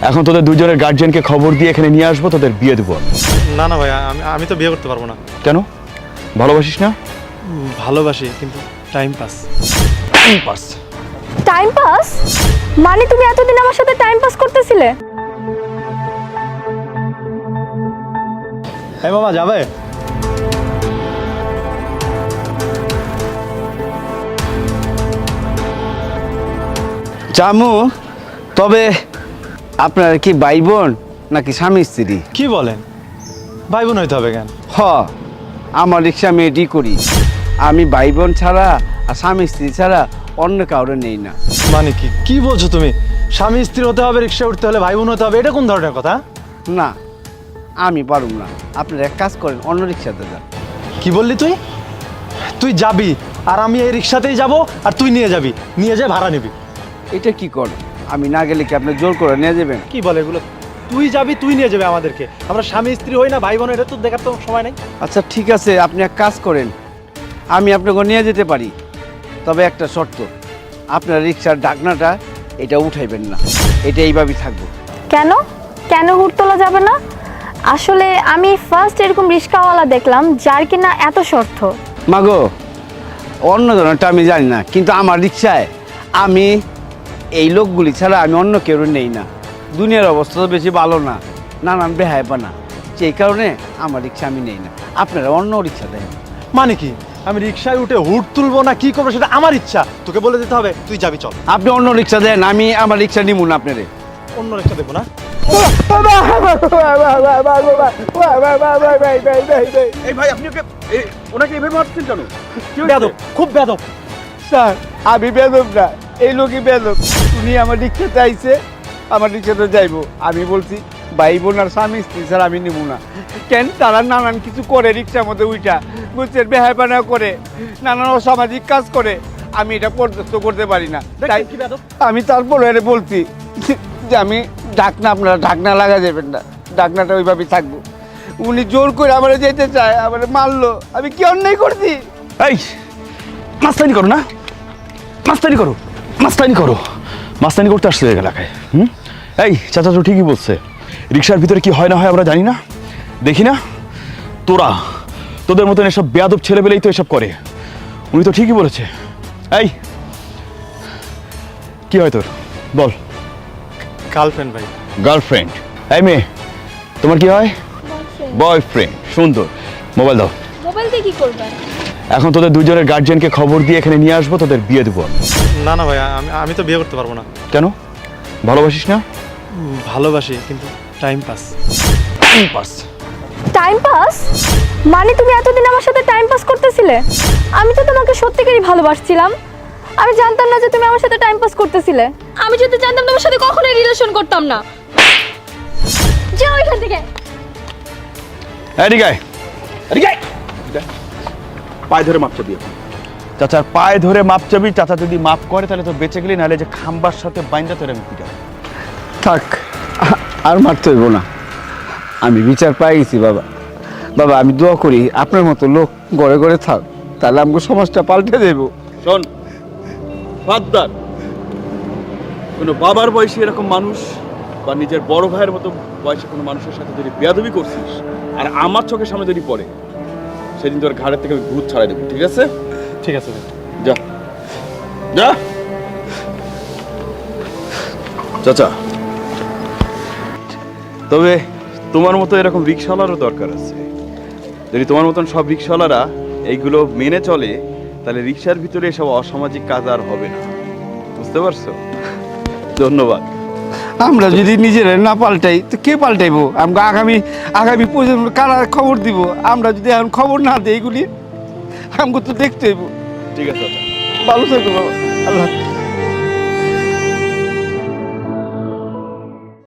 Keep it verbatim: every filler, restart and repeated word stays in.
এখন তোদের দুজনের গার্জিয়ানকে খবর দিয়ে এখানে নিয়ে আসবো, তোদের বিয়ে দেবো। না না ভাই, আমি আমি তো বিয়ে করতে পারবো না। কেন? ভালোবাসিস না? উম, ভালোবাসি, কিন্তু time pass. Time pass? Time pass মানে তুমি এতদিন আমার সাথে টাইম পাস করতেছিলে? এই মামা যাবে? জামু, তবে আপনার কি ভাই বোন নাকি স্বামী স্ত্রী? কি বলেন, ভাই বোন হইতে হবে কেন? হ, আমার রিক্সা আমি এডি করি। আমি ভাই বোন ছাড়া আর স্বামী স্ত্রী ছাড়া অন্য কাউরে নেই না। মানে কি কি বলছো তুমি? স্বামী স্ত্রী হতে হবে, রিক্সা উঠতে হলে ভাই বোন হতে হবে, এটা কোন ধরনের কথা? না, আমি পারুম না। আপনারা এক কাজ করেন, অন্য রিক্সাতে যান। কি বললি তুই? তুই যাবি আর আমি এই রিক্সাতেই যাব, আর তুই নিয়ে যাবি, নিয়ে যা ভাড়া নিবি। এটা কি করেন? আমি না গেলে কি আপনি জোর করে নিয়ে যাবেন? কি বলে এগুলো? তুই যাবি, তুই নিয়ে যাবে আমাদেরকে। আমরা স্বামী স্ত্রী হই না, ভাই বোন, এটা তো দেখার তো সময় নাই। আচ্ছা ঠিক আছে, আপনি এক কাজ করেন, আমি আপনাকে নিয়ে যেতে পারি, তবে একটা শর্ত, আপনার রিক্সার ঢাকনাটা এটা উঠাইবেন না, এটা এইভাবেই থাকবো। কেন কেন হুট তোলা যাবে না? আসলে আমি ফার্স্ট এরকম রিস্কাওয়ালা দেখলাম যার কিনা এত শর্ত। মাগো, অন্য ধরনেরটা আমি জানি না, কিন্তু আমার রিক্সায় আমি এই লোকগুলি ছাড়া আমি অন্য কেউ নেই না। দুনিয়ার অবস্থা তো বেশি ভালো না, নানান বেহায়পানা, সেই কারণে আমার রিক্সা আমি নেই না। আপনারা অন্য রিক্সা দেন। মানে কি, আমি রিক্সায় উঠে হুট তুলবো না কি করবো সেটা আমার ইচ্ছা, তোকে বলে দিতে হবে তুই যাবি, চল। আপনি অন্য রিক্সা দেন, আমি আমার রিক্সা নিব না আপনারে। অন্য রিক্সা দেবো না? এই ভাই, আপনি ওকে ওনাকে এভাবে মারছেন কেন? বেয়াদব, খুব বেয়াদব। স্যার, আমি বেদব না, এই লোকই বেদব। উনি আমার রিক্সাতে আইছে, আমার রিক্সাতে যাইবো। আমি বলছি ভাই বোন আর স্বামী স্ত্রী স্যার আমি নিব না। কেন? তারা নানান কিছু করে রিক্সার মধ্যে উইটা, বুঝছেন, বেহায়পানা করে, নানান অসামাজিক কাজ করে, আমি এটা বরদাস্ত করতে পারি না। তাই কি বেয়াদব? আমি তারপরে এর বলছি যে আমি ঢাকনা, আপনারা ঢাকনা লাগা যাবেন না, ঢাকনাটা ওইভাবেই থাকবো। উনি জোর করে আমার যেতে চায়, আমার মারলো, আমি কি অন্যায় করছি? এই মাস্তানি করো না, মাস্তানি করো, মাস্তানি করো, মাস্তানি করতে আসছে এলাকায়। হুম, এই চাচা তো ঠিকই বলছে, রিক্সার ভিতরে কি হয় না হয় আমরা জানি না, দেখি না। তোরা তোদের মতন এসব বেয়াদব ছেলেবেলেই তো এসব করে। উনি তো ঠিকই বলেছে। এই কি হয় তোর, বল। গার্লফ্রেন্ড ভাই। গার্লফ্রেন্ড? এই মেয়ে, তোমার কি হয়? বয়ফ্রেন্ড। সুন্দর, মোবাইল দাও। মোবাইল দিয়ে কি করবেন? এখন তোদের দুজনের গার্জিয়ানকে খবর দিয়ে এখানে নিয়ে আসবো, তোদের বিয়ে দেবো। না না ভাই, আমি আমি তো বিয়ে করতে পারবো না। কেন? ভালোবাসিস না? উম, ভালোবাসি, কিন্তু time pass. Time pass? Time pass মানে তুমি এতদিন আমার সাথে টাইম পাস করতেছিলে? আমি তো তোমাকে সত্যিকারই ভালোবাসছিলাম। আমি জানতাম না যে তুমি আমার সাথে টাইম পাস করতেছিলে। আমি যদি জানতাম তোমার সাথে কখনোই রিলেশন করতাম না। যাও এখান থেকে। এদিকে আয়, এদিকে আয়। পায়ে ধরে মাপ চাবি। চাচার পায়ে ধরে মাপ চাবি। চাচা যদি মাপ করে তাহলে তো বেঁচে গেলি, নাহলে যে খাম্বার সাথে বাইন্দা তোর আমি পিটাবো। থাক, আর মারতে হইব না, আমি বিচার পাই গেছি। বাবা বাবা আমি দোয়া করি আপনার মতো লোক ঘরে ঘরে থাক, তাহলে আমাকে সমাজটা পাল্টে দেব। শোন ফাদ্দার, কোনো বাবার বয়সী এরকম মানুষ বা নিজের বড় ভাইয়ের মতো বয়সী কোনো মানুষের সাথে যদি বেয়াদবি করছিস আর আমার চোখের সামনে যদি পড়ে, সেদিন তোর ঘাড়ের থেকে আমি ভূত ছাড়াই দেবো, ঠিক আছে? ঠিক আছে ভাই। যা যা। চাচা, তবে তোমার মতো এরকম রিক্সাওয়ালারও দরকার আছে। যদি তোমার মতন সব রিক্সাওয়ালারা এইগুলো মেনে চলে, তাহলে রিক্সার ভিতরে এসব অসামাজিক কাজ আর হবে না, বুঝতে পারছো? ধন্যবাদ। আমরা যদি নিজেরা না পাল্টাই তো কে পাল্টাইবো? আমাকে আগামী আগামী প্রজন্ম কারা খবর দিব? আমরা যদি এখন খবর না দিই, এগুলি আমাকে তো দেখতে হইব। ঠিক আছে চাচা। ভালো থাকবো বাবা, আল্লাহ।